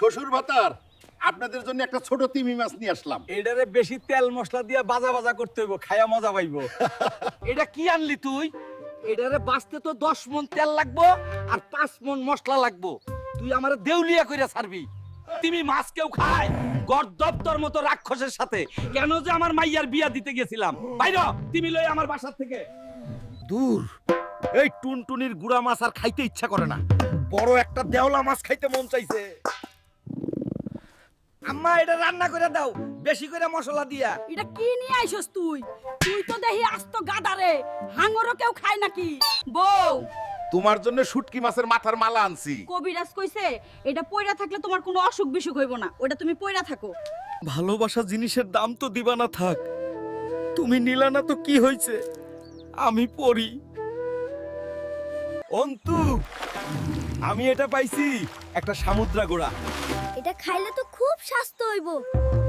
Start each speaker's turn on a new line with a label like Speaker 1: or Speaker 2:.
Speaker 1: শ্বশুর ভাতার আপনাদের জন্য একটা ছোট তিমি মাছ নিয়ে আসলাম।
Speaker 2: এটারে বেশি তেল মশলা দিয়া বাজা বাজা করতে হইব, খায়া মজা পাইবো। এটা কি আনলি তুই? এটারে বাঁচতে তো 10 মণ তেল লাগবো আর 5 মণ মশলা লাগবো। তুই আমারে দেউলিয়া কইরা ছাড়বি। তুমি মাছ কেউ খায় গর্দপ্তর মতো রাক্ষসের সাথে? কেন যে আমার মাইয়ার বিয়া দিতে গেছিলাম? বাইরে তুমি লই আমার বাসার থেকে দূর। এই টুনটুনির গুড়া মাছ আর খাইতে ইচ্ছা করে না, বড় একটা দেওলা মাছ খাইতে মন চাইছে। আম্মা এটা রান্না করে দাও, বেশি করে মশলা দিয়া।
Speaker 3: এটা কি নিয়ে আইছস তুই? তুই তো দেখি আস্ত গাদারে, হাঙ্গরও কেউ খায় নাকি? বউ,
Speaker 1: তোমার জন্য শুটকি মাছের মাথার মালা আনছি।
Speaker 3: কবিরাজ কইছে এটা পয়রা থাকলে তোমার কোনো অসুখ বিসুখ হইব না, ওটা তুমি পয়রা থাকো।
Speaker 2: ভালোবাসা জিনিসের দাম তো দিবা না থাক, তুমি নিলা না তো কি হইছে, আমি পড়ি। অন্তু, আমি এটা পাইছি, একটা সামুদ্রা গোড়া।
Speaker 4: এটা খাইলে তো খুব স্বাস্থ্য হইব।